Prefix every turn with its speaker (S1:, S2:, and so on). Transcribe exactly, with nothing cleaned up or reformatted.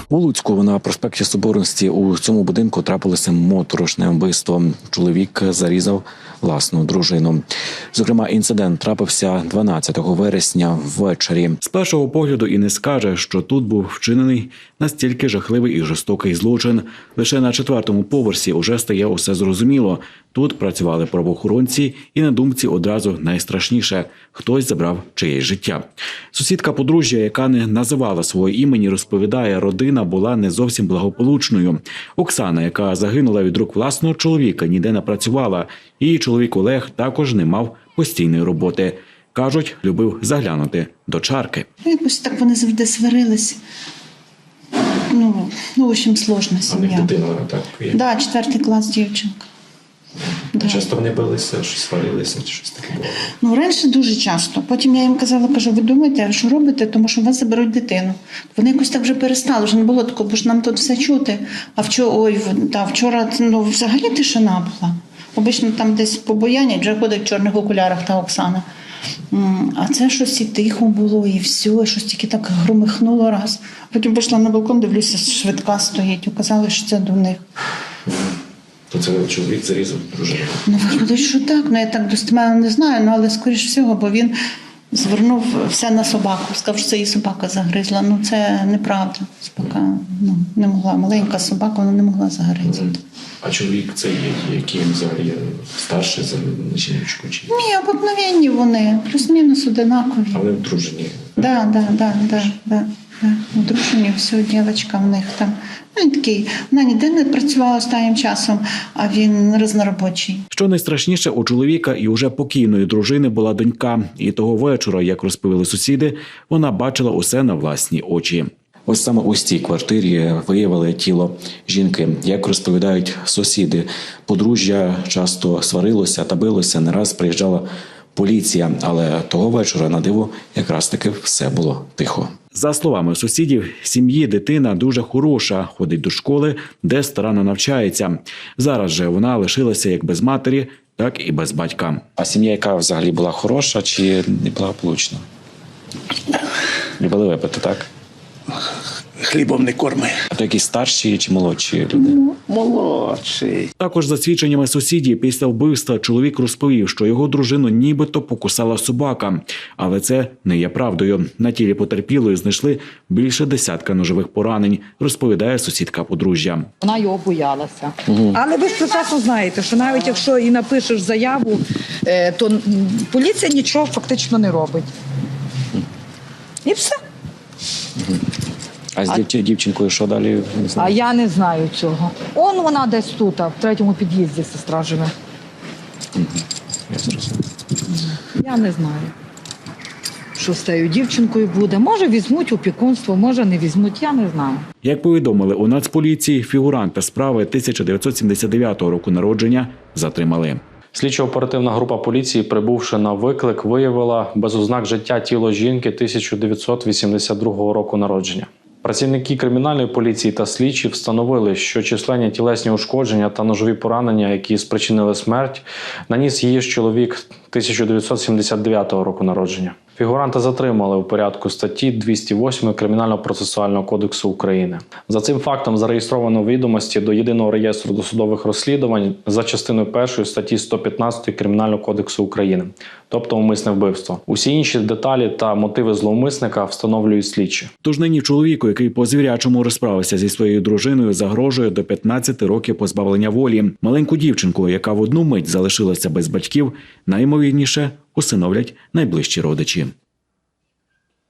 S1: У Луцьку на проспекті Соборності у цьому будинку трапилося моторошне вбивство. Чоловік зарізав власну дружину. Зокрема, інцидент трапився дванадцятого вересня ввечері. З першого погляду і не скаже, що тут був вчинений настільки жахливий і жорстокий злочин. Лише на четвертому поверсі уже стає усе зрозуміло. Тут працювали правоохоронці і на думці одразу найстрашніше – хтось забрав чиєсь життя. Сусідка подружжя, яка не називала свого імені, розповідає, родина була не зовсім благополучною. Оксана, яка загинула від рук власного чоловіка, ніде не працювала. Її чоловік Олег також не мав постійної роботи. Кажуть, любив заглянути до чарки.
S2: Якось так вони завжди сварились. Ну, ну в общем, сложна сім'я.
S3: А в них дитина, так?
S2: Так, да, четвертий клас дівчинка. Да.
S3: Часто вони билися, щось сварилися, чи щось таке було?
S2: Ну, раніше дуже часто. Потім я їм казала, кажу, ви думаєте, що робите, тому що у вас заберуть дитину. Вони якось так вже перестали, вже не було такого, бо ж нам тут все чути. А вчора, ой, та, вчора ну, взагалі тишина була. Обично там десь побоянять, вже ходить в чорних окулярах та Оксана. А це щось і тихо було, і все, щось тільки так громихнуло раз. Потім пішла на балкон, дивлюся, швидка стоїть, указали, що це до них.
S3: То це чоловік зарізав дружину?
S2: Ну, виходить, що так. Ну, я так достеменно не знаю, ну, але скоріш всього, бо він звернув все на собаку. Сказав, що це її собака загризла. Ну, це неправда. Собака ну, не могла. Маленька собака, вона не могла загризти.
S3: А чоловік це є, який він взагалі старший за жіночку? Чи?
S2: Ні, обикновенні вони. Плюс-мінус одинакові.
S3: А вони одружені?
S2: Так, так, так, так, так. Одружені, все, дівчинка в них там. Ну, він такий, вона ніде не працювала останнім часом, а він різноробочий.
S1: Що найстрашніше, у чоловіка і уже покійної дружини була донька. І того вечора, як розповіли сусіди, вона бачила усе на власні очі. Ось саме у цій квартирі виявили тіло жінки. Як розповідають сусіди, подружжя часто сварилося та билося, не раз приїжджала поліція, але того вечора, на диво, якраз таки все було тихо. За словами сусідів, сім'ї дитина дуже хороша, ходить до школи, де старанно навчається. Зараз же вона лишилася як без матері, так і без батька. А сім'я, яка взагалі була хороша чи неблагополучна? Любили випити, так?
S4: Хлібом не корми.
S1: А то якісь старші чи молодші люди?
S4: Молодший.
S1: Також за свідченнями сусідів, після вбивства чоловік розповів, що його дружину нібито покусала собака. Але це не є правдою. На тілі потерпілої знайшли більше десятка ножових поранень, розповідає сусідка подружжя.
S5: Вона його боялася. Угу. Але ви ж прекрасно знаєте, що навіть якщо і напишеш заяву, то поліція нічого фактично не робить. І все.
S1: Угу. А з а... дівчинкою що далі? Не знаю.
S5: А я не знаю цього. Он вона десь тут, в третьому під'їзді сестра живе.
S1: Угу. Я зрозумів.
S5: Я не знаю, що з тією дівчинкою буде. Може візьмуть опікунство, може не візьмуть, я не знаю.
S1: Як повідомили у Нацполіції, фігуранта справи тисяча дев'ятсот сімдесят дев'ятого року народження затримали.
S6: Слідчо-оперативна група поліції, прибувши на виклик, виявила без ознак життя тіло жінки тисяча дев'ятсот вісімдесят другого року народження. Працівники кримінальної поліції та слідчі встановили, що численні тілесні ушкодження та ножові поранення, які спричинили смерть, наніс її ж чоловік тисяча дев'ятсот сімдесят дев'ятого року народження. Фігуранта затримали у порядку статті двісті восьмої Кримінального процесуального кодексу України. За цим фактом зареєстровано відомості до Єдиного реєстру досудових розслідувань за частиною першої статті сто п'ятнадцять Кримінального кодексу України, тобто умисне вбивство. Усі інші деталі та мотиви зловмисника встановлюють слідчі.
S1: Тож нині чоловіку, який по звірячому розправився зі своєю дружиною, загрожує до п'ятнадцяти років позбавлення волі. Маленьку дівчинку, яка в одну мить залишилася без батьків, найімовірніше усиновлять найближчі родичі.